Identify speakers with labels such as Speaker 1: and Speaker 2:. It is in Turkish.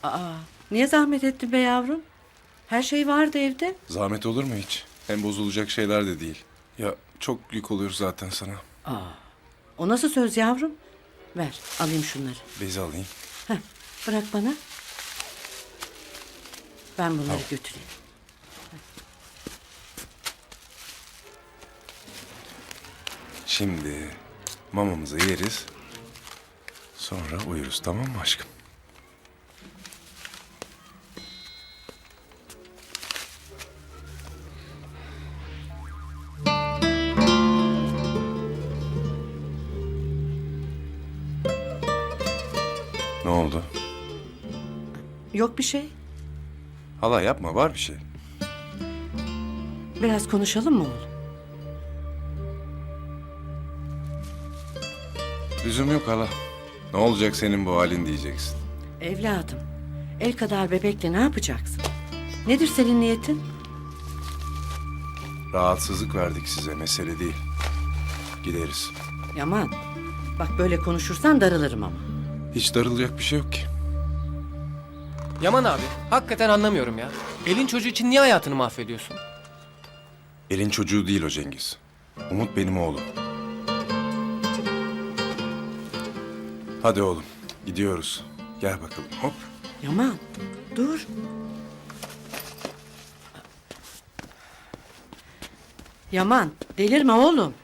Speaker 1: Aa, niye zahmet ettin be yavrum? Her şey vardı evde.
Speaker 2: Zahmet olur mu hiç? Hem bozulacak şeyler de değil. Ya çok yük oluyor zaten sana.
Speaker 1: O nasıl söz yavrum? Ver, alayım şunları.
Speaker 2: Bezi alayım.
Speaker 1: Heh, bırak bana. Ben bunları götüreyim.
Speaker 2: Şimdi mamamızı yeriz. Sonra uyuruz, tamam mı aşkım? Ne oldu?
Speaker 1: Yok bir şey.
Speaker 2: Hala yapma, var bir şey.
Speaker 1: Biraz konuşalım mı oğlum?
Speaker 2: Lüzum yok hala. Ne olacak senin bu halin diyeceksin.
Speaker 1: Evladım, el kadar bebekle ne yapacaksın? Nedir senin niyetin?
Speaker 2: Rahatsızlık verdik size, mesele değil. Gideriz.
Speaker 1: Yaman, bak böyle konuşursan darılırım ama.
Speaker 2: Hiç darılacak bir şey yok ki.
Speaker 3: Yaman abi, hakikaten anlamıyorum ya. Elin çocuğu için niye hayatını mahvediyorsun?
Speaker 2: Elin çocuğu değil o Cengiz. Umut benim oğlum. Hadi oğlum, gidiyoruz. Gel bakalım, hop.
Speaker 1: Yaman, dur. Yaman, delirme oğlum.